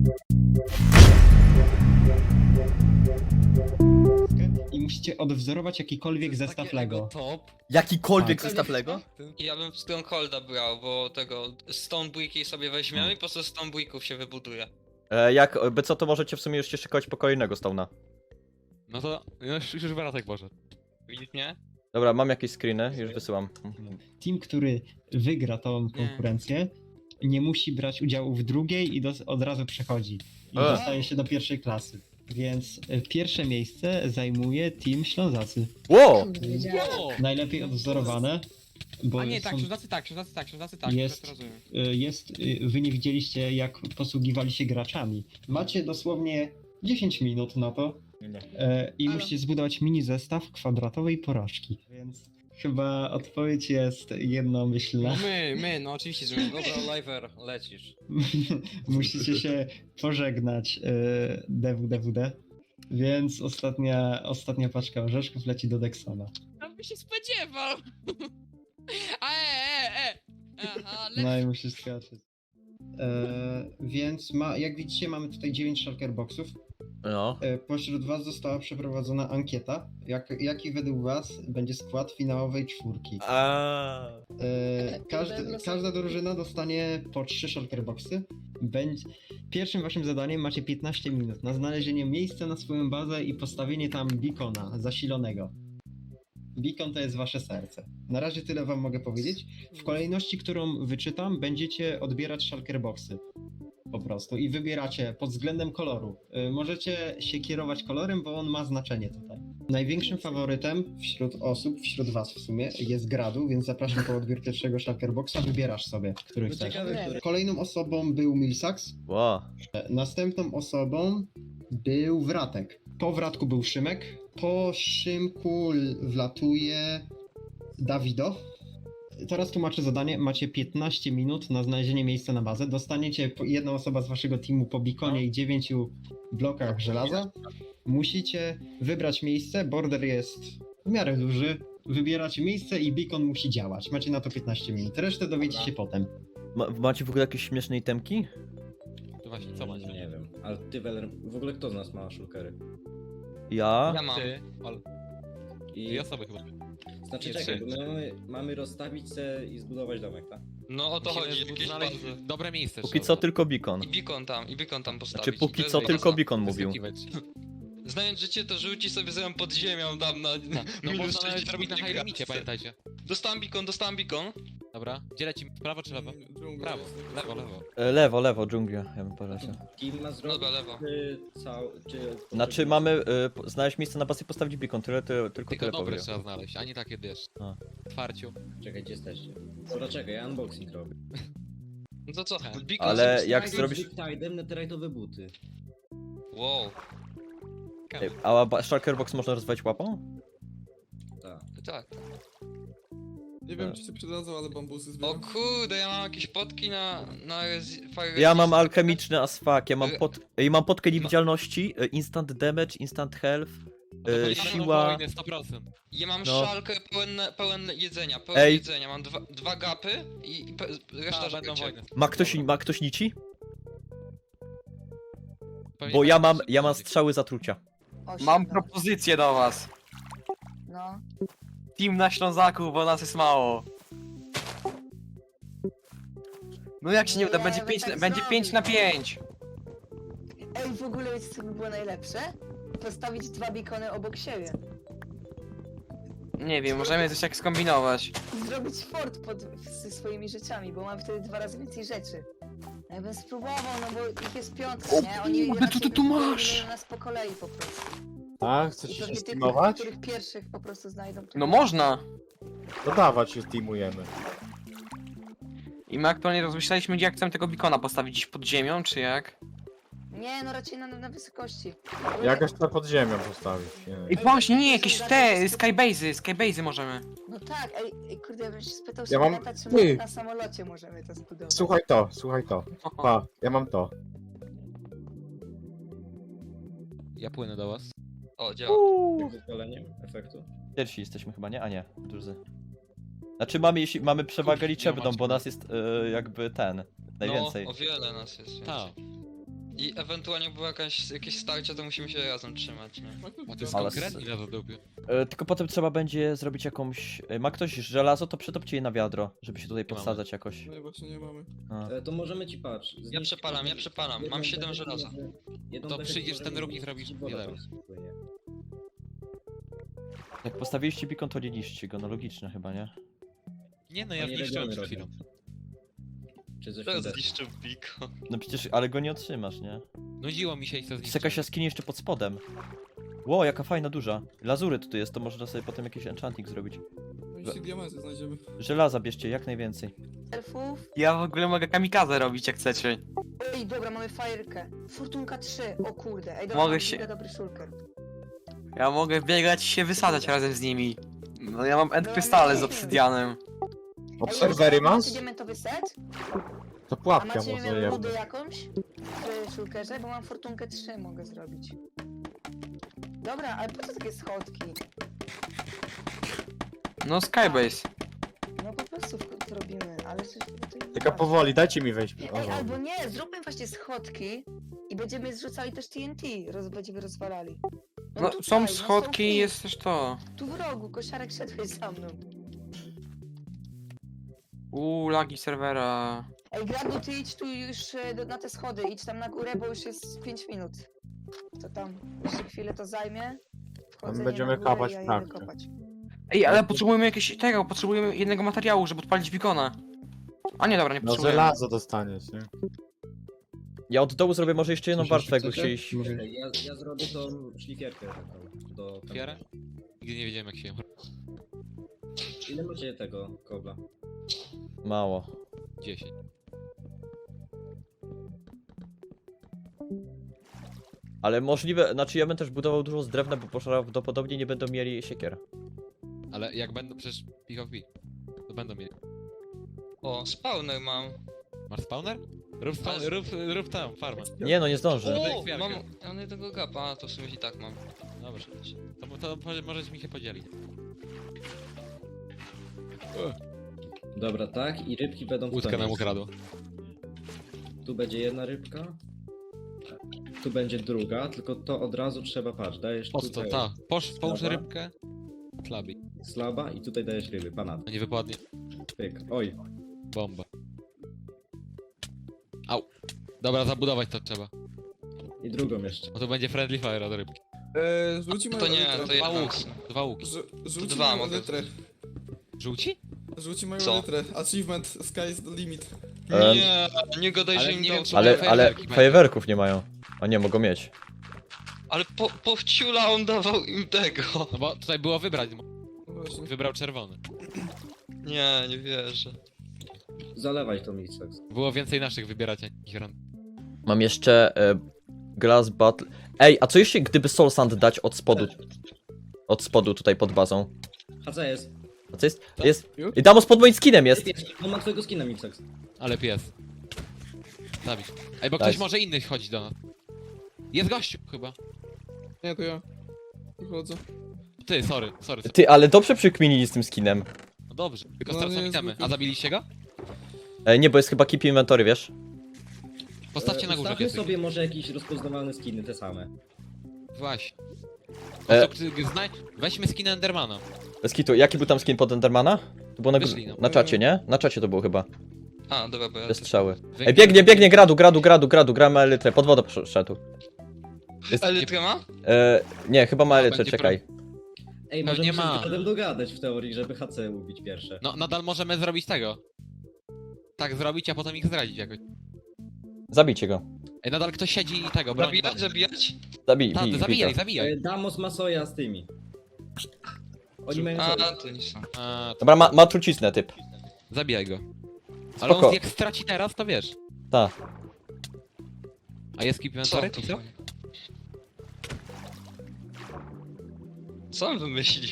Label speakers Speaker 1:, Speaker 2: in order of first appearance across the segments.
Speaker 1: I musicie odwzorować jakikolwiek zestaw Lego.
Speaker 2: Top.
Speaker 3: Jakikolwiek
Speaker 1: Tak.
Speaker 3: zestaw Lego?
Speaker 4: Ja bym Strongholda brał, bo tego Stonebricki sobie weźmiemy i po prostu Stonebricków się wybuduje.
Speaker 3: By co, to możecie w sumie już szykować kolejnego Stone'a.
Speaker 2: No to już Weratek może.
Speaker 4: Widzisz mnie?
Speaker 3: Dobra, mam jakieś screeny, już wysyłam.
Speaker 1: Team, który wygra tą konkurencję, nie musi brać udziału w drugiej i od razu przechodzi. I dostaje się do pierwszej klasy. Więc pierwsze miejsce zajmuje Team Ślązacy.
Speaker 3: Wow!
Speaker 1: Najlepiej odwzorowane, bo
Speaker 5: A nie,
Speaker 1: są,
Speaker 5: tak, Ślązacy tak,
Speaker 1: Jest.
Speaker 5: teraz rozumiem.
Speaker 1: wy nie widzieliście, jak posługiwali się graczami. Macie dosłownie 10 minut na to i musicie zbudować mini zestaw kwadratowej porażki. Więc chyba odpowiedź jest jednomyślna.
Speaker 5: No no oczywiście, że my.
Speaker 6: Dobra, Liver, lecisz.
Speaker 1: Musicie się pożegnać DWDWD. Więc ostatnia paczka orzeszków leci do Dexona.
Speaker 7: No by się spodziewał. Aha,
Speaker 1: No i musisz skaczeć. Więc jak widzicie, mamy tutaj 9 shulker boxów.
Speaker 3: No.
Speaker 1: Pośród was została przeprowadzona ankieta. Jaki według was będzie skład finałowej czwórki? Każda drużyna dostanie po 3 shulker boxy. Pierwszym waszym zadaniem macie 15 minut na znalezienie miejsca na swoją bazę i postawienie tam beacona zasilonego. Beacon to jest wasze serce. Na razie tyle wam mogę powiedzieć. W kolejności, którą wyczytam, będziecie odbierać shulker boxy. Po prostu. I wybieracie pod względem koloru. Możecie się kierować kolorem, bo on ma znaczenie tutaj. Największym faworytem wśród was w sumie, jest Gradu, więc zapraszam po odbiór pierwszego shulker boxa. Wybierasz sobie, który chcesz. Kolejną osobą był Milsax.
Speaker 3: Wow.
Speaker 1: Następną osobą był Wratek. Po Wratku był Szymek. Po Szymku wlatuje Dawido. Teraz tłumaczę zadanie. Macie 15 minut na znalezienie miejsca na bazę. Dostaniecie jedna osoba z waszego teamu po beaconie i 9 blokach żelaza. Musicie wybrać miejsce. Border jest w miarę duży. Wybieracie miejsce i beacon musi działać. Macie na to 15 minut. Resztę dowiecie się potem.
Speaker 3: Macie w ogóle jakieś śmieszne itemki?
Speaker 2: To właśnie, co macie?
Speaker 6: Nie wiem, ale ty, Weller, w ogóle kto z nas ma shulkery?
Speaker 3: Ja?
Speaker 4: Ja mam.
Speaker 2: Ty,
Speaker 6: I...
Speaker 2: dwie osoby chyba.
Speaker 6: Znaczy
Speaker 4: Nie,
Speaker 6: czekaj,
Speaker 4: trzy.
Speaker 6: bo my mamy rozstawić se i zbudować domek, tak?
Speaker 4: No o to chodzi, jakieś
Speaker 2: Znaleźć
Speaker 4: bazy.
Speaker 2: dobre miejsce.
Speaker 3: Póki
Speaker 2: trzeba.
Speaker 3: co tylko beacon.
Speaker 4: I beacon tam postawić.
Speaker 3: Znaczy póki
Speaker 4: To
Speaker 3: co
Speaker 4: jest
Speaker 3: tylko
Speaker 4: baza.
Speaker 3: beacon mówił.
Speaker 2: Wyskakiwać.
Speaker 4: Znając życie, to rzuci sobie zamiast pod ziemią tam na
Speaker 2: No
Speaker 4: minus
Speaker 2: można nawet
Speaker 4: 60
Speaker 2: zrobić na
Speaker 4: nie
Speaker 2: high
Speaker 4: gra.
Speaker 2: limicie, pamiętajcie.
Speaker 4: Dostałem beacon.
Speaker 2: Dobra, gdzie lecimy? Prawo czy lewo? Prawo, lewo.
Speaker 3: Lewo, dżunglia, ja bym poleciał.
Speaker 6: Team ma zrobić
Speaker 4: Dobra, lewo.
Speaker 6: czy
Speaker 3: Znaczy mamy znaleźć miejsce na bazę i postawić beacon, tylko
Speaker 2: Tylko
Speaker 3: tyle
Speaker 2: dobre
Speaker 3: powiem.
Speaker 2: trzeba znaleźć, a nie takie wiesz.
Speaker 3: A.
Speaker 2: Twarciu.
Speaker 6: Czekaj, gdzie jesteście? Dobra, czekaj, ja unboxing robię.
Speaker 4: No to co?
Speaker 2: Tak.
Speaker 4: Beacon
Speaker 3: Ale
Speaker 4: sobie
Speaker 3: jak
Speaker 4: postawić?
Speaker 3: zrobisz-
Speaker 6: Tide'em netherite'owe buty.
Speaker 4: Wow,
Speaker 3: A shulker box można rozwijać łapą?
Speaker 6: Tak.
Speaker 4: tak.
Speaker 8: Nie wiem, czy się przydadzą, ale bambusy
Speaker 4: O
Speaker 8: zbieram.
Speaker 4: kurde, ja mam jakieś potki na Fire
Speaker 3: Ja mam
Speaker 4: Resist.
Speaker 3: alchemiczny as fuck, mam potkę niewidzialności, instant damage, instant health, siła...
Speaker 2: Wojny 100%.
Speaker 4: Ja mam
Speaker 3: No.
Speaker 4: szalkę pełen jedzenia,
Speaker 3: Ej.
Speaker 4: Mam dwa gapy i reszta
Speaker 2: Tak, będą
Speaker 4: życie.
Speaker 2: wojny.
Speaker 3: Ma ktoś nici?
Speaker 2: Pewnie
Speaker 3: Bo ja
Speaker 2: będą
Speaker 3: mam
Speaker 2: się-
Speaker 3: strzały zatrucia.
Speaker 9: Mam propozycję do was.
Speaker 10: No.
Speaker 9: Team na Ślązaku, bo nas jest mało. No jak się nie uda,
Speaker 10: Nie,
Speaker 9: będzie
Speaker 10: no
Speaker 9: 5
Speaker 10: tak
Speaker 9: będzie
Speaker 10: zrobić.
Speaker 9: 5 na 5.
Speaker 10: Ej, w ogóle wiecie co by było najlepsze? Postawić dwa beacony obok siebie.
Speaker 9: Nie wiem, możemy coś tak skombinować.
Speaker 10: I zrobić fort ze swoimi rzeczami, bo mamy wtedy 2 razy więcej rzeczy. No ja bym spróbował, no bo ich jest piątka, nie? Oni
Speaker 9: kurde, co ty tu masz?
Speaker 10: eliminują nas po kolei po prostu.
Speaker 11: A,
Speaker 10: I
Speaker 11: chcecie się
Speaker 10: pewnie tych,
Speaker 11: steamować?
Speaker 10: których pierwszych po prostu znajdą. to-
Speaker 9: No można.
Speaker 11: To dawać się steamujemy.
Speaker 9: I my aktualnie rozmyślaliśmy, gdzie jak chcemy tego beacona postawić, gdzieś pod ziemią, czy jak?
Speaker 10: Nie, no raczej na wysokości.
Speaker 11: Jakoś to pod ziemią postawić. Nie.
Speaker 9: I właśnie, nie, jakieś te skybase'y możemy.
Speaker 10: No tak, ej, kurde, ja bym się spytał
Speaker 11: Ja mam-
Speaker 10: Szymona, czy
Speaker 11: Ty.
Speaker 10: może na samolocie możemy to zbudować.
Speaker 11: Słuchaj to. Pa, ja mam to.
Speaker 2: Ja płynę do was.
Speaker 4: O, działa.
Speaker 6: Jak z odpaleniem efektu?
Speaker 3: Pierwsi jesteśmy chyba, nie? A nie, drudzy. Znaczy jeśli mamy przewagę liczebną, bo nas jest jakby najwięcej.
Speaker 4: No, o wiele nas jest.
Speaker 2: Tak.
Speaker 4: I ewentualnie było jakieś starcie, to musimy się razem trzymać, nie?
Speaker 2: A to jest
Speaker 3: Ale
Speaker 2: konkretnie na zadupiu.
Speaker 3: Tylko potem trzeba będzie zrobić jakąś... Ma ktoś żelazo, to przetopcie je na wiadro, żeby się tutaj
Speaker 2: mamy.
Speaker 3: podsadzać jakoś.
Speaker 8: No właśnie nie mamy.
Speaker 3: A.
Speaker 6: To możemy ci patrz.
Speaker 4: Ja przepalam. Mam 7 żelaza.
Speaker 2: To przyjdziesz ten róg i zrobisz wiele.
Speaker 3: Jak postawiliście beacon, to nie niszczcie go, no logiczne chyba, nie?
Speaker 2: Nie no, ja
Speaker 6: Oni
Speaker 2: zniszczyłem przed
Speaker 6: regiony
Speaker 2: chwilą.
Speaker 6: Czy coś
Speaker 4: Teraz
Speaker 6: widać?
Speaker 4: zniszczył Biko.
Speaker 3: No przecież, ale go nie otrzymasz, nie?
Speaker 2: Nudziło mi się i to
Speaker 3: Jest jakaś jaskinia jeszcze pod spodem. Ło, jaka fajna, duża. Lazury tutaj jest, to można sobie potem jakiś enchanting zrobić.
Speaker 8: No jeśli diamenty znajdziemy.
Speaker 3: Żelaza bierzcie, jak najwięcej.
Speaker 10: Elfów.
Speaker 9: Ja w ogóle mogę kamikazę robić jak chcecie.
Speaker 10: Ej, dobra, mamy fajerkę. Fortunka 3, o kurde. Ej, dobra,
Speaker 9: Mogę
Speaker 10: mam
Speaker 9: się-
Speaker 10: mega dobry shulker.
Speaker 9: Ja mogę biegać i się wysadzać razem z nimi. No ja mam end krystale z obsydianem.
Speaker 11: Obserwery masz?
Speaker 10: Diamentowy set?
Speaker 11: To
Speaker 10: A
Speaker 11: pułapka
Speaker 10: macie
Speaker 11: może
Speaker 10: rudę
Speaker 11: jedno.
Speaker 10: jakąś? W shulkerze? Bo mam fortunkę 3, mogę zrobić. Dobra, ale po co takie schodki?
Speaker 9: No Skybase.
Speaker 10: No po prostu to robimy, ale coś... to nie
Speaker 11: Tylko
Speaker 10: ma.
Speaker 11: powoli, dajcie mi wejść. O,
Speaker 10: Ej, albo nie, zróbmy właśnie schodki i będziemy zrzucali też TNT, będziemy rozwalali.
Speaker 9: No
Speaker 10: tutaj,
Speaker 9: są
Speaker 10: no
Speaker 9: schodki i
Speaker 10: tu.
Speaker 9: jest też to.
Speaker 10: Tu w rogu, kosiarek szedłeś za mną.
Speaker 9: Lagi serwera.
Speaker 10: Ej, Gradu, ty idź tu już na te schody, idź tam na górę, bo już jest 5 minut. To tam, jeszcze chwilę to zajmie. Wchodzę
Speaker 11: będziemy
Speaker 10: na górę
Speaker 11: kopać
Speaker 10: i ja
Speaker 11: prawdę.
Speaker 10: idę kopać.
Speaker 9: Ej, ale potrzebujemy jakiegoś tego, potrzebujemy jednego materiału, żeby odpalić beacona. A nie, dobra, nie
Speaker 11: No
Speaker 9: potrzebujemy.
Speaker 11: żelazo dostaniesz, nie?
Speaker 3: Ja od dołu zrobię może jeszcze jedną
Speaker 1: Coś
Speaker 3: warstwę,
Speaker 1: jeszcze
Speaker 3: jakby
Speaker 1: chcecie?
Speaker 3: chcieli...
Speaker 1: Może-
Speaker 6: Ja zrobię tą szlifierkę taką do...
Speaker 2: Otwierę? Nigdy nie wiedziałem jak się ją...
Speaker 6: Ile macie tego kobla?
Speaker 3: Mało.
Speaker 2: 10.
Speaker 3: Ale możliwe, znaczy ja bym też budował dużo z drewna, bo prawdopodobnie nie będą mieli siekier.
Speaker 2: Ale jak będą przecież PvP, to będą mieli.
Speaker 4: O, spawner mam.
Speaker 2: Masz spawner? Rób tam, farmę.
Speaker 3: Nie no, nie zdążę.
Speaker 2: Dobra,
Speaker 4: O,
Speaker 2: kwiarkę.
Speaker 4: mam jednego gapa, a to w sumie i tak mam.
Speaker 2: Dobrze. To możesz mi się podzielić.
Speaker 6: Dobra, tak? I rybki będą w
Speaker 2: Łódka
Speaker 6: to
Speaker 2: nam
Speaker 6: miejsce.
Speaker 2: ukradła.
Speaker 6: Tu będzie jedna rybka. Tu będzie druga, tylko to od razu trzeba, patrz, dajesz
Speaker 2: Po co?
Speaker 6: tutaj
Speaker 2: Ta. Połóż
Speaker 6: Dobra.
Speaker 2: rybkę. Klabi.
Speaker 6: slaba i tutaj dajesz ryby, banat.
Speaker 2: No nie wypadnie.
Speaker 6: Pyk. Oj,
Speaker 2: Bomba. Au. Dobra, zabudować to trzeba.
Speaker 6: i drugą jeszcze.
Speaker 2: Bo to będzie friendly fire od rybki.
Speaker 8: Rzuci
Speaker 4: To
Speaker 8: moją
Speaker 4: nie,
Speaker 8: litrę.
Speaker 4: to
Speaker 2: Dwa
Speaker 4: jedna.
Speaker 2: łuki. Dwa łuki.
Speaker 8: Rzuci
Speaker 4: dwa
Speaker 8: moją
Speaker 4: mogę
Speaker 8: litrę.
Speaker 2: Żółci?
Speaker 8: Rzuci moją
Speaker 4: Co?
Speaker 8: litrę. Achievement, sky is the limit.
Speaker 4: Nie gadaj,
Speaker 2: Ale
Speaker 4: że im
Speaker 2: nie
Speaker 4: dał
Speaker 2: wiem, czy
Speaker 4: co-
Speaker 3: Ale
Speaker 2: fajerwerki
Speaker 3: fajerwerków nie mają. A nie, mogą mieć.
Speaker 4: Ale po wciula on dawał im tego.
Speaker 2: No bo tutaj było wybrać.
Speaker 8: No właśnie.
Speaker 2: Wybrał czerwony.
Speaker 4: Nie wierzę.
Speaker 6: Zalewaj to Mixex.
Speaker 2: Było więcej naszych wybierać niż ran.
Speaker 3: Mam jeszcze Glass Battle. Ej, a co jeśli gdyby Soul Sand dać od spodu? Od spodu tutaj pod bazą.
Speaker 6: A co jest?
Speaker 3: A co jest?
Speaker 2: Co?
Speaker 3: Jest. I Damos pod moim skinem jest.
Speaker 6: On ma twojego skina Mixex.
Speaker 2: Ale pies. Zabić. Ej, bo
Speaker 3: Daj.
Speaker 2: ktoś może inny chodzi do nas. Jest gościu chyba.
Speaker 8: Nie, to ja. Wychodzę.
Speaker 2: Ty, sorry.
Speaker 3: Ty, ale dobrze przykminili z tym skinem.
Speaker 2: No dobrze, tylko
Speaker 8: No,
Speaker 2: stracą
Speaker 8: nie,
Speaker 2: itemy.
Speaker 8: zwykły.
Speaker 2: A zabiliście go?
Speaker 3: Nie, bo jest chyba keep inventory, wiesz?
Speaker 2: Postawcie na górze
Speaker 6: Ustawmy
Speaker 2: piesek.
Speaker 6: sobie może jakieś rozpoznawalne skiny, te same.
Speaker 2: Właśnie.
Speaker 3: E.
Speaker 2: Weźmy skin Endermana.
Speaker 3: Bez kitu. Jaki był tam skin pod Endermana? To było
Speaker 2: Wyszli, no.
Speaker 3: na czacie, nie? Na czacie to było chyba.
Speaker 4: A, dobra, bo ja...
Speaker 3: Te strzały.
Speaker 2: Wy-
Speaker 3: Ej, biegnie, gradu, gramy elytrę, pod wodę poszedł. Jest,
Speaker 4: Elytrę ma?
Speaker 3: nie, chyba ma
Speaker 2: A,
Speaker 3: elytrę,
Speaker 2: będzie
Speaker 3: czekaj.
Speaker 6: Ej,
Speaker 2: Pewnie
Speaker 6: możemy się
Speaker 2: ma.
Speaker 6: z Gradem dogadać w teorii, żeby HC ubić pierwsze.
Speaker 2: No, nadal możemy zrobić tego. Tak zrobić, a potem ich zdradzić jakoś.
Speaker 3: Zabijcie go.
Speaker 2: Ej, nadal ktoś siedzi i tego, broni.
Speaker 4: Zabijać?
Speaker 2: Zabijaj.
Speaker 6: Damos Masoja z tymi. Oni mają...
Speaker 4: A, to nie są.
Speaker 3: Dobra, ma truciznę typ.
Speaker 2: Zabijaj go. Ale
Speaker 3: Spoko.
Speaker 2: on jak straci teraz, to wiesz.
Speaker 3: Ta.
Speaker 2: A jest keep inventory,
Speaker 4: Co
Speaker 2: czy
Speaker 4: to?
Speaker 2: co?
Speaker 4: Co on wymyślił?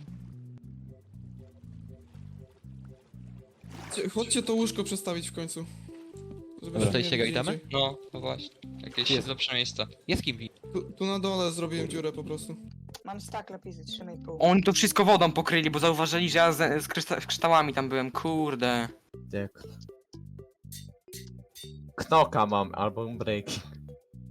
Speaker 8: Chodźcie to łóżko przestawić w końcu. Żeby
Speaker 3: Dobra.
Speaker 8: się
Speaker 2: Dostaliście
Speaker 8: nie
Speaker 2: go itemy?
Speaker 8: widzieli.
Speaker 4: No właśnie. Jakieś
Speaker 2: Jest.
Speaker 4: lepsze miejsca.
Speaker 2: Jest kimpi.
Speaker 8: Tu na dole zrobiłem dziurę po prostu.
Speaker 10: Mam stack lepizy, 3,5.
Speaker 9: Oni to wszystko wodą pokryli, bo zauważyli, że ja z kryształami tam byłem, kurde.
Speaker 11: Tak. Knoka mam, albo break.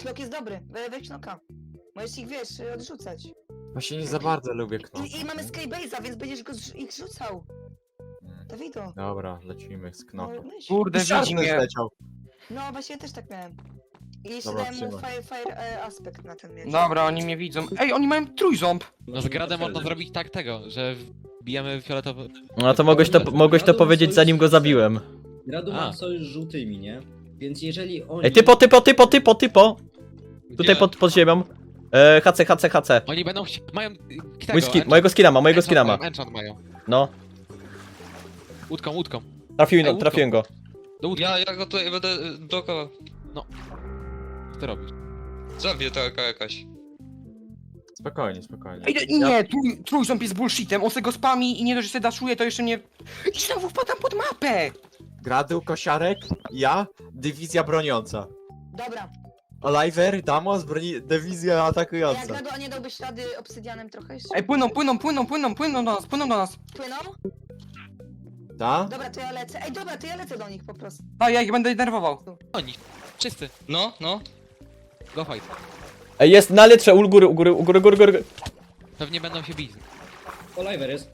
Speaker 10: Knok jest dobry, weź knoka. Możesz ich, wiesz, odrzucać.
Speaker 11: Właśnie nie za bardzo lubię knop.
Speaker 10: I mamy Skybase'a, więc będziesz ich rzucał. Dawido.
Speaker 11: Dobra, lecimy z
Speaker 10: No,
Speaker 11: knopem.
Speaker 10: myśl.
Speaker 9: Kurde, widzi mnie.
Speaker 11: Leciał.
Speaker 10: No właśnie ja też tak miałem. I jeszcze
Speaker 11: Dobra,
Speaker 10: dałem mu
Speaker 11: trzymaj.
Speaker 10: fire aspekt na ten miecz.
Speaker 9: Dobra, oni mnie widzą. Ej, oni mają trójząb!
Speaker 2: No z Gradem można zrobić tak tego, że bijemy fioletowy...
Speaker 3: No to mogłeś to powiedzieć zanim go zabiłem.
Speaker 6: Gradu
Speaker 2: A.
Speaker 6: ma sojusz z żółtymi, nie? Więc jeżeli oni...
Speaker 3: Ej, typo! Tutaj
Speaker 2: Gdzie?
Speaker 3: pod ziemią. HC.
Speaker 2: Oni będą mają... Tego,
Speaker 3: Mojego skina ma.
Speaker 2: Enchant mają.
Speaker 3: No,
Speaker 2: Łódką.
Speaker 3: trafiłem go.
Speaker 2: Do łódki.
Speaker 4: Ja go tutaj będę blokował.
Speaker 2: Co ty robisz?
Speaker 4: Zabiję taka jakaś.
Speaker 11: Spokojnie.
Speaker 9: Ej, nie, trójząb jest bullshitem, on se go spami i nie dość, że se daszuje, to jeszcze mnie... I znowu wpadam pod mapę!
Speaker 11: Gradu, kosiarek, ja, dywizja broniąca.
Speaker 10: Dobra.
Speaker 11: Oliver, Damos, dywizja
Speaker 10: A jak
Speaker 11: atakująca.
Speaker 10: Gradu, a nie dałbyś ślady obsydianem trochę jeszcze?
Speaker 9: Ej, płyną do nas.
Speaker 10: Płyną?
Speaker 11: Ta?
Speaker 10: Dobra, to ja lecę. Ej, dobra, to ja lecę do nich po prostu.
Speaker 9: A ja ich będę denerwował.
Speaker 2: Oni. Wszyscy.
Speaker 4: No.
Speaker 2: Go fight.
Speaker 3: Ej, jest na litrze, u góry.
Speaker 2: Pewnie będą się bić.
Speaker 6: Oliver jest.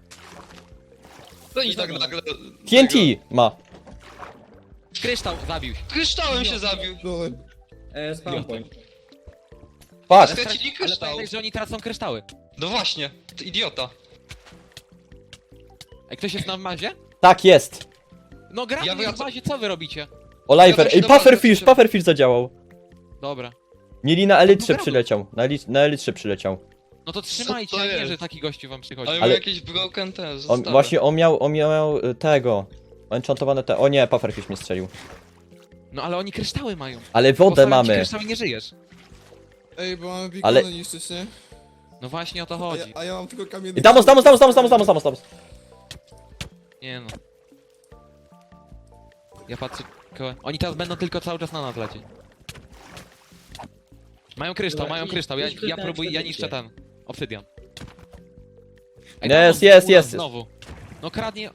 Speaker 4: To oni tak nagle...
Speaker 3: TNT ma.
Speaker 2: Kryształ zabił się.
Speaker 4: Kryształem się zabił.
Speaker 6: Spawn point.
Speaker 3: Patrz.
Speaker 4: Stracili
Speaker 2: Ale
Speaker 4: kryształ.
Speaker 2: pamiętaj, że oni tracą kryształy.
Speaker 4: No właśnie, ty idiota.
Speaker 2: Ej, ktoś jest na mazie?
Speaker 3: Tak, jest.
Speaker 2: No gra
Speaker 4: Ja
Speaker 2: na
Speaker 4: wracam.
Speaker 2: bazie, co wy robicie?
Speaker 3: Oliver. Ej,
Speaker 4: Dobra,
Speaker 3: Pufferfish zadziałał.
Speaker 2: Dobra.
Speaker 3: Mieli na elitrze przyleciał. Na elitrze przyleciał.
Speaker 2: No to trzymajcie,
Speaker 4: to
Speaker 2: a nie,
Speaker 4: jest?
Speaker 2: że taki gościu wam przychodzi.
Speaker 4: Ale,
Speaker 3: Ale-
Speaker 4: jakieś broken te
Speaker 3: On
Speaker 4: zostały.
Speaker 3: miał tego. Enchantowane te. O nie, Pufferfish mnie strzelił.
Speaker 2: No ale oni kryształy mają.
Speaker 3: Ale wodę
Speaker 2: Postawiam ci
Speaker 3: mamy.
Speaker 2: kryształ i nie żyjesz.
Speaker 8: Ej, bo mamy bikony
Speaker 3: Ale-
Speaker 8: niszczyć, nie?
Speaker 2: No właśnie o to
Speaker 8: A
Speaker 2: chodzi.
Speaker 8: ja, a ja mam tylko kamienny...
Speaker 3: I Damos.
Speaker 2: Nie no. Ja patrzę... Oni teraz będą tylko cały czas na nas lecieć. Mają kryształ,
Speaker 6: Dobra,
Speaker 2: mają
Speaker 6: idź-
Speaker 2: kryształ. Ja
Speaker 6: idź kryształ
Speaker 2: próbuję, ja
Speaker 6: ekspedycję.
Speaker 2: niszczę ten. Obsydian.
Speaker 3: Jest,
Speaker 2: tam
Speaker 3: jest,
Speaker 2: u nas
Speaker 3: jest.
Speaker 2: Znowu. No kradnie...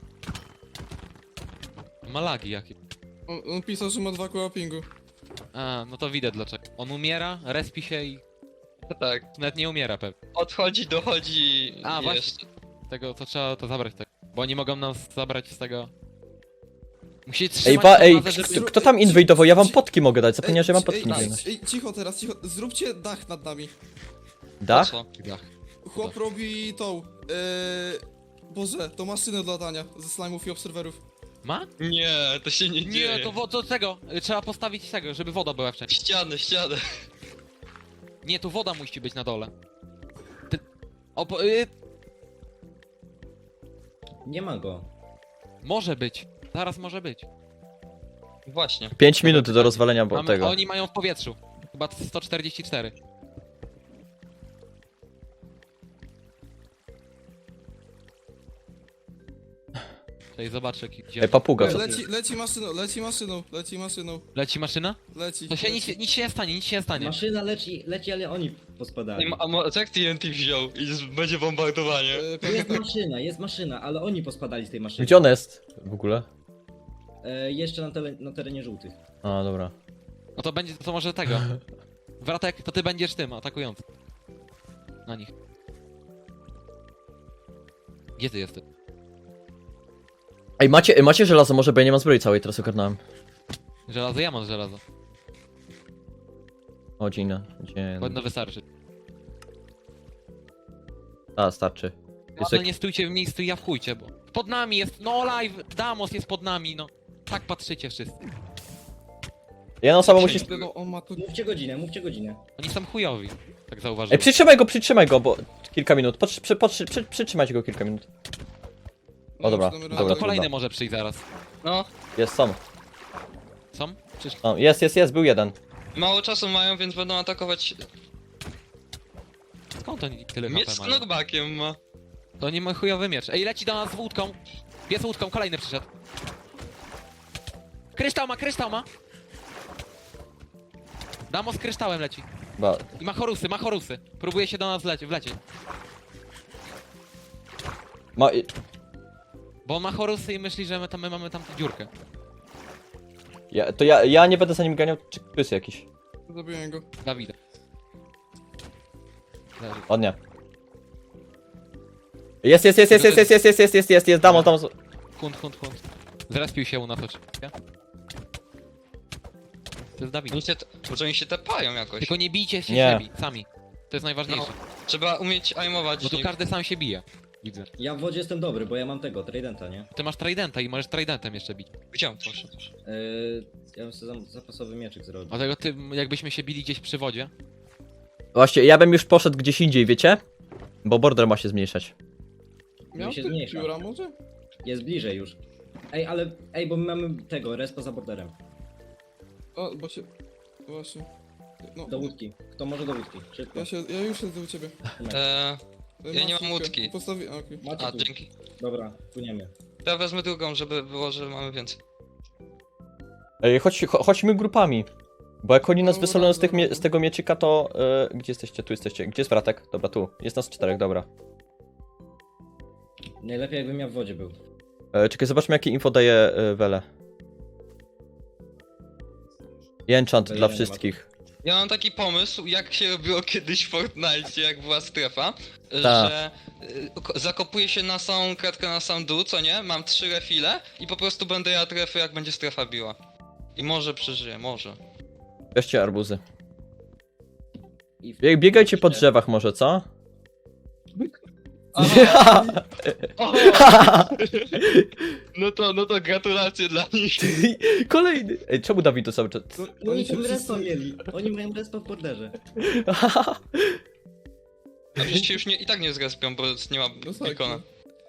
Speaker 2: Ma lagi jakie.
Speaker 8: On pisał, że ma 2 koła pingu.
Speaker 2: A, no to widać dlaczego. On umiera, respi się i...
Speaker 4: Tak,
Speaker 2: Nawet nie umiera pewnie.
Speaker 4: odchodzi, dochodzi...
Speaker 2: A, właśnie.
Speaker 4: jeszcze.
Speaker 2: Tego, to trzeba to zabrać tak. Bo oni mogą nas zabrać z tego... Musicie
Speaker 3: Ej,
Speaker 2: trzymać tą
Speaker 3: ej,
Speaker 2: bazę, żeby...
Speaker 3: kto tam inwejdował? Ja wam potki mogę dać. Zapomniałem, że mam
Speaker 8: Ej,
Speaker 3: potki
Speaker 8: ej,
Speaker 3: inwejdować.
Speaker 8: ej, cicho teraz, cicho. Zróbcie dach nad nami.
Speaker 3: Dach?
Speaker 4: Co?
Speaker 2: Dach.
Speaker 8: Chłop robi tą... Boże, tą maszynę do latania ze slime'ów i obserwerów.
Speaker 2: Ma?
Speaker 4: Nie, to się nie dzieje.
Speaker 2: Nie, to tego. Trzeba postawić tego, żeby woda była wcześniej.
Speaker 4: Ścianę.
Speaker 2: Nie, tu woda musi być na dole.
Speaker 6: Nie ma go.
Speaker 2: Może być. Zaraz może być.
Speaker 4: Właśnie.
Speaker 3: 5 minut do rozwalenia bo tego.
Speaker 2: Oni mają w powietrzu. Chyba 144. Tutaj zobaczę gdzie.
Speaker 3: Ej, papuga, co?
Speaker 8: Leci maszyną.
Speaker 2: Leci maszyna?
Speaker 8: Leci.
Speaker 2: To się nic się nie stanie, nic się nie stanie.
Speaker 6: Maszyna leci, ale oni pospadali.
Speaker 4: A jak TNT wziął i będzie bombardowanie?
Speaker 6: Jest maszyna, ale oni pospadali z tej maszyny.
Speaker 3: Gdzie ona jest w ogóle?
Speaker 6: Jeszcze na terenie żółtych.
Speaker 3: A, dobra.
Speaker 2: No to będzie, to może tego. Wratek, to ty będziesz tym atakującym. Na nich. Gdzie ty jesteś?
Speaker 3: Ej, macie żelazo, może, bo ja nie mam zbroi całej, teraz ogarnąłem.
Speaker 2: Żelazo, ja mam żelazo.
Speaker 3: O, dzień.
Speaker 2: Powinno wystarczyć.
Speaker 3: A, starczy. Jest
Speaker 2: No nie stójcie w miejscu i ja wchujcie, bo... Pod nami jest, no live, Damos jest pod nami, no. Tak patrzycie wszyscy.
Speaker 3: Jedna osoba musi...
Speaker 8: No, on ma tu...
Speaker 6: Mówcie godzinę.
Speaker 2: Oni są chujowi. Tak zauważyłem.
Speaker 3: Ej, przytrzymaj go, bo... Kilka minut. Przytrzymajcie go kilka minut. O, dobra.
Speaker 8: Dobra,
Speaker 2: A
Speaker 3: Dobra,
Speaker 2: to kolejny
Speaker 3: dobra.
Speaker 2: może przyjść zaraz.
Speaker 4: No,
Speaker 3: Jest, są.
Speaker 2: Są? Czy...
Speaker 3: O, jest, był jeden.
Speaker 4: mało czasu mają, więc będą atakować...
Speaker 2: Skąd oni tyle
Speaker 4: Miecz
Speaker 2: HP
Speaker 4: z
Speaker 2: mają?
Speaker 4: knockbackiem ma.
Speaker 2: To nie mój chujowy miecz. Ej, leci do nas z łódką. Jest łódką, kolejny przyszedł. Kryształ ma. Damo z kryształem leci. I ma chorusy. Próbuje się do nas wlecieć. Bo on ma chorusy i myśli, że my mamy tam dziurkę.
Speaker 3: Ja nie będę za nim ganiał, czy jest jakiś.
Speaker 8: Zabiłem go.
Speaker 2: Dawida. Leży.
Speaker 3: O nie. Jest, Damos.
Speaker 2: Hunt. Zrespił się u nas oczywiście. To jest Dawid.
Speaker 4: Może oni się tepają jakoś.
Speaker 2: Tylko nie bijcie się
Speaker 3: Nie.
Speaker 2: siebie, sami. To jest najważniejsze.
Speaker 4: Trzeba umieć aimować.
Speaker 2: Bo tu każdy sam się bije. Widzę.
Speaker 6: Ja w wodzie jestem dobry, bo ja mam tego, Tridenta, nie?
Speaker 2: Ty masz tridenta i możesz tridentem jeszcze bić.
Speaker 4: Gdzie on poszedł?
Speaker 6: Ja bym sobie zapasowy mieczyk zrobił.
Speaker 2: Dlatego ty, jakbyśmy się bili gdzieś przy wodzie.
Speaker 3: Właśnie, ja bym już poszedł gdzieś indziej, wiecie? Bo border ma się zmniejszać.
Speaker 8: Miał
Speaker 6: się
Speaker 8: ty
Speaker 6: zmniejsza.
Speaker 8: pióra może?
Speaker 6: Jest bliżej już. Ej, bo my mamy tego, respa za borderem.
Speaker 8: O, bo się... Właśnie. No,
Speaker 6: Do łódki. Kto może do łódki? Szybko.
Speaker 8: ja już siedzę u ciebie.
Speaker 4: Ja nie mam
Speaker 8: szybkę.
Speaker 4: łódki.
Speaker 8: Postawi... okej.
Speaker 6: Macie
Speaker 4: A,
Speaker 6: tu.
Speaker 4: dzięki.
Speaker 6: Dobra, płyniemy.
Speaker 4: To ja wezmę drugą, żeby było, że mamy więcej.
Speaker 3: Ej, chodźmy grupami. Bo jak oni nas
Speaker 8: No,
Speaker 3: wysolą
Speaker 8: dobra.
Speaker 3: z tego mieczyka, to... gdzie jesteście? Tu jesteście. Gdzie jest Fratek? Dobra, tu. Jest nas 4, dobra.
Speaker 6: Najlepiej jakbym ja w wodzie był.
Speaker 3: Czekaj, zobaczmy jakie info daje Wele. Enchant
Speaker 6: Wele
Speaker 3: dla
Speaker 6: nie ma.
Speaker 3: wszystkich.
Speaker 4: Ja mam taki pomysł, jak się robiło kiedyś w Fortnite, jak była strefa,
Speaker 3: Ta.
Speaker 4: że zakopuję się na samą kratkę, na sam dół, co nie? Mam 3 refile i po prostu będę jadł refy, jak będzie strefa biła. I może przeżyję, może.
Speaker 3: Weźcie arbuzy.
Speaker 6: I w...
Speaker 3: Biegajcie po drzewach może, co?
Speaker 4: No to gratulacje dla nich.
Speaker 3: Kolejny! Ej, czemu Dawid to cały czas...
Speaker 6: No oni
Speaker 8: się
Speaker 6: tam respa
Speaker 8: wszyscy-
Speaker 6: mieli. Oni mają respa w borderze.
Speaker 4: A przecież się już i tak nie zrespią, bo nie ma
Speaker 8: No tak,
Speaker 4: beacona.
Speaker 8: no.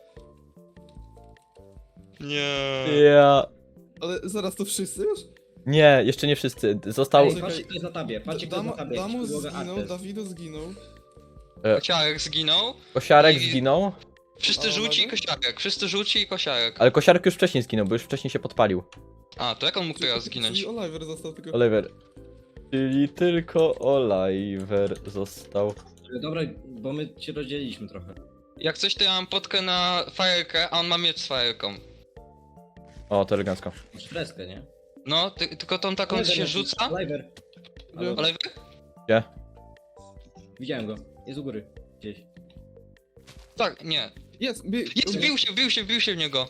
Speaker 4: Nie.
Speaker 3: Ja...
Speaker 8: Ale zaraz to wszyscy już?
Speaker 3: Nie, jeszcze nie wszyscy. Został...
Speaker 6: Ej, patrzcie kto jest na tabie, patrzcie kto jest na tabie.
Speaker 8: Damus
Speaker 6: Podłoga
Speaker 8: zginął,
Speaker 6: Artes.
Speaker 8: Dawido zginął.
Speaker 4: Kosiarek zginął.
Speaker 3: Kosiarek
Speaker 4: I-
Speaker 3: zginął.
Speaker 4: Wszyscy
Speaker 8: A,
Speaker 4: żółci i
Speaker 8: mamy?
Speaker 4: kosiarek. Wszyscy żółci i kosiarek.
Speaker 3: Ale Kosiarek już wcześniej zginął, bo już wcześniej się podpalił.
Speaker 4: A, to jak on mógł teraz zginąć?
Speaker 8: Czyli Oliver został tylko.
Speaker 3: Oliver. Czyli tylko Oliver został.
Speaker 6: Dobra, bo my się rozdzieliliśmy trochę.
Speaker 4: Jak coś, to ja mam potkę na fajerkę, a on ma miecz z fajerką.
Speaker 3: O, to elegancko.
Speaker 6: Masz freskę, nie?
Speaker 4: No, tylko tą taką co się rzuca.
Speaker 6: Oliver. Halo?
Speaker 4: Ale
Speaker 3: Gdzie?
Speaker 6: Widziałem go. Jest u góry. Gdzieś.
Speaker 4: tak, nie.
Speaker 8: Jest,
Speaker 4: Jest, wbił się w niego.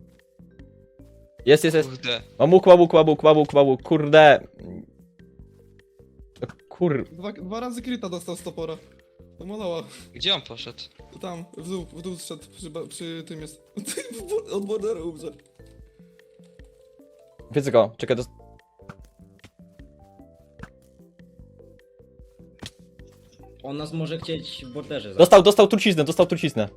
Speaker 3: Jest.
Speaker 4: Kurde.
Speaker 3: Łabuk, kurde.
Speaker 8: Dwa razy kryta dostał z topora. To malała.
Speaker 4: Gdzie on poszedł?
Speaker 8: Tam, w dół zszedł, przy tym jest. Od borderu umrze.
Speaker 3: Wiedzę go, czekaj,
Speaker 6: On nas może chcieć w borderze zabić.
Speaker 3: dostał truciznę.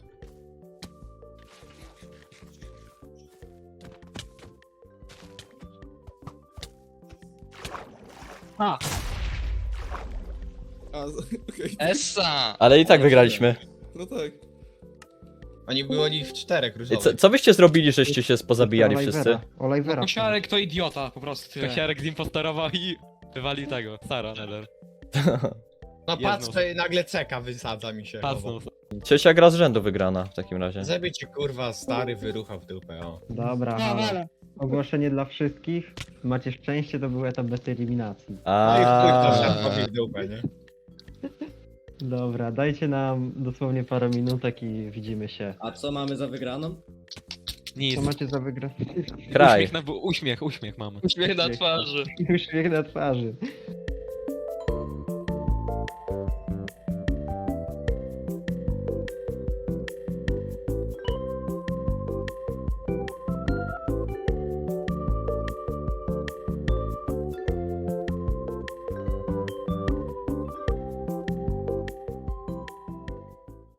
Speaker 8: Okej.
Speaker 4: Essa!
Speaker 3: Ale i tak wygraliśmy.
Speaker 8: No tak.
Speaker 11: Oni byli w 4
Speaker 3: Ej, co byście zrobili, żeście się pozabijali wszyscy?
Speaker 1: Olivera.
Speaker 5: Kosiarek to idiota, po prostu tyle.
Speaker 2: Kosiarek zimpostorował i wywalił tego. Sara, Neller.
Speaker 11: No
Speaker 2: Jedną.
Speaker 11: patrzę, nagle ceka wysadza mi się.
Speaker 2: Pasnął.
Speaker 3: Trzecia gra z rzędu wygrana w takim razie.
Speaker 11: Żeby cię kurwa stary wyruchał w dupę, o.
Speaker 1: Dobra, halo. Ogłoszenie dla wszystkich. Macie szczęście, to był etap bez eliminacji.
Speaker 11: No i chuj to
Speaker 3: A.
Speaker 11: szarpowi w dupę, nie?
Speaker 1: Dobra, dajcie nam dosłownie parę minutek i widzimy się.
Speaker 6: A co mamy za wygraną?
Speaker 2: Nic.
Speaker 1: Co macie za wygrać?
Speaker 3: Kraj.
Speaker 2: Uśmiech mamy.
Speaker 4: Uśmiech na twarzy.
Speaker 1: Uśmiech na twarzy.